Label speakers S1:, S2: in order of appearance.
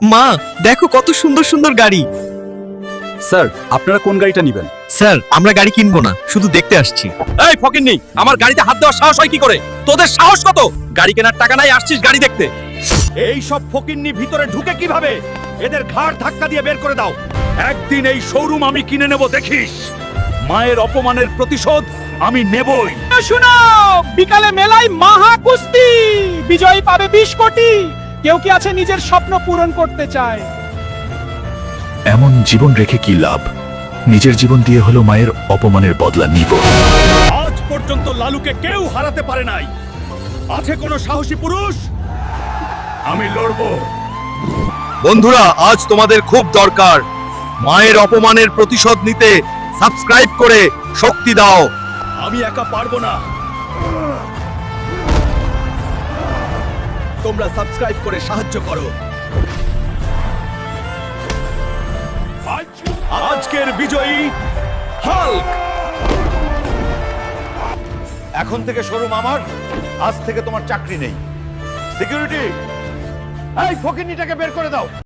S1: মা দেখো কত সুন্দর সুন্দর গাড়ি।
S2: স্যার আপনারা কোন গাড়িটা নেবেন?
S1: স্যার আমরা গাড়ি কিনবো না, শুধু দেখতে আসছি।
S2: এই ফকিন্নি, আমার গাড়িতে হাত দেওয়ার সাহস হয় কি করে? তোদের সাহস কত? গাড়ি কেনার টাকা নাই, আসছিস গাড়ি দেখতে। এই সব ফকিন্নি ভিতরে ঢুকে কিভাবে? এদের ঘাড় ধাক্কা দিয়ে বের করে দাও। একদিন এই শোরুম আমি কিনে নেব, দেখিস। মায়ের অপমানের প্রতিশোধ আমি নেবই।
S3: শুনো, বিকালে মেলায় মাহা কুস্তি, বিজয়ী পাবে 20 কোটি। কেউ কি আছে নিজের স্বপ্ন পূরণ করতে চায়?
S4: এমন জীবন রেখে কি লাভ? নিজের জীবন দিয়ে হলো মায়ের অপমানের বদলা নিব।
S2: আজ পর্যন্ত লালুকে কেউ হারাতে পারে নাই। আছে কোনো সাহসী পুরুষ? আমি লড়বো।
S1: বন্ধুরা, আজ তোমাদের খুব দরকার। মায়ের অপমানের প্রতিশোধ নিতে সাবস্ক্রাইব করে শক্তি দাও।
S2: আমি একা পারবো না। তোমরা সাবস্ক্রাইব করে সাহায্য করো। আজকের বিজয়ী হাল্ক।
S5: এখন থেকে শোরুম আমার, আজ থেকে তোমার চাকরি নেই। সিকিউরিটি, এই ফকিন্নিটাকে বের করে দাও।